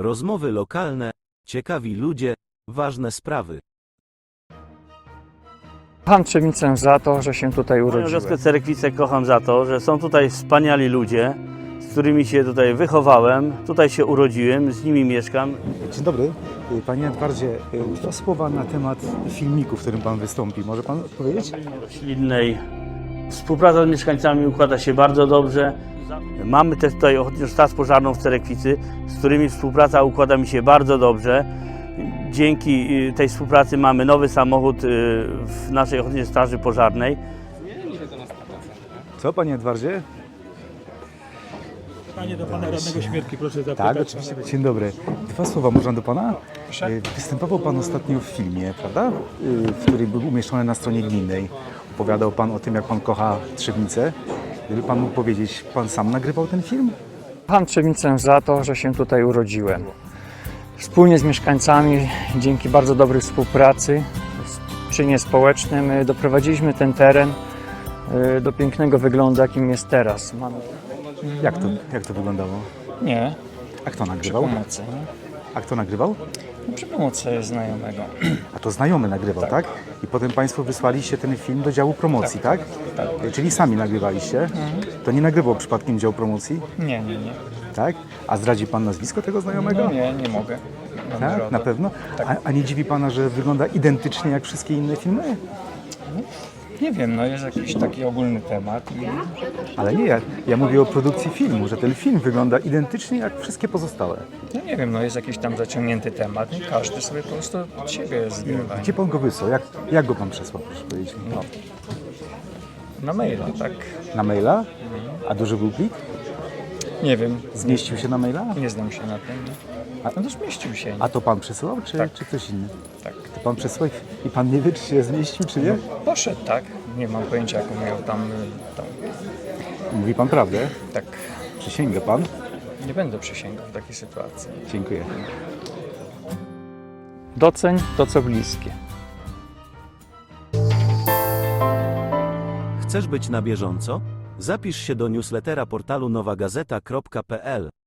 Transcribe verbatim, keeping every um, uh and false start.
Rozmowy lokalne, ciekawi ludzie, ważne sprawy. Kocham Trzebnicę za to, że się tutaj Moją urodziłem. wioskę Cerekwicę kocham za to, że są tutaj wspaniali ludzie, z którymi się tutaj wychowałem, tutaj się urodziłem, z nimi mieszkam. Dzień dobry. Panie Edwardzie, dwa słowa na temat filmiku, w którym Pan wystąpi. Może Pan powiedzieć? Roślinnej. Współpraca z mieszkańcami układa się bardzo dobrze. Mamy też tutaj Ochotniczą Straż Pożarną w Cerekwicy, z którymi współpraca układa mi się bardzo dobrze. Dzięki tej współpracy mamy nowy samochód w naszej Ochotniczej Straży Pożarnej. Co, Panie Edwardzie? Panie do Pana Radnego Śmierki, proszę zapytać. Tak, oczywiście. Dzień dobry. Dwa słowa można do Pana? Proszę. Występował Pan ostatnio w filmie, prawda? W którym był umieszczony na stronie gminnej. Opowiadał Pan o tym, jak Pan kocha Trzebnicę. Gdyby Pan mógł powiedzieć, Pan sam nagrywał ten film? Kocham Trzebnicę za to, że się tutaj urodziłem. Wspólnie z mieszkańcami, dzięki bardzo dobrej współpracy, czynie społecznym, doprowadziliśmy ten teren do pięknego wyglądu, jakim jest teraz. Mamy... Jak to, jak to wyglądało? Nie, A kto przy nagrywał? pomocy. Nie? A kto nagrywał? Przy pomocy znajomego. A to znajomy nagrywał, tak? I potem Państwo wysłaliście ten film do działu promocji, tak? Tak. Czyli sami nagrywaliście? To nie nagrywał przypadkiem dział promocji, Nie, nie, nie. tak? A zdradzi Pan nazwisko tego znajomego? No nie, nie mogę. Mam Tak, RODO. na pewno? A, a nie dziwi Pana, że wygląda identycznie jak wszystkie inne filmy? Nie wiem, no jest jakiś taki ogólny temat. I... Ale nie, ja, ja mówię o produkcji filmu, że ten film wygląda identycznie jak wszystkie pozostałe. No nie wiem, no jest jakiś tam zaciągnięty temat i każdy sobie po prostu od siebie zgrywa. Gdzie Pan go wysłał? Jak, jak go Pan przesłał, proszę powiedzieć mi? No. Na maila, tak. Na maila? A duży był plik? Nie wiem, Zmieścił się na maila? nie znam się na tym. A- No to zmieścił się. A to Pan przesyłał, czy, Tak. czy ktoś inny? Tak. To Pan przesyłał i Pan nie wie, czy się zmieścił, czy nie? Poszedł, tak. Nie mam pojęcia, jaką miał tam, tam. Mówi Pan prawdę? Tak. Przysięga Pan? Nie będę przysięgał w takiej sytuacji. Dziękuję. Doceń to, co bliskie. Chcesz być na bieżąco? Zapisz się do newslettera portalu nowa gazeta kropka p l.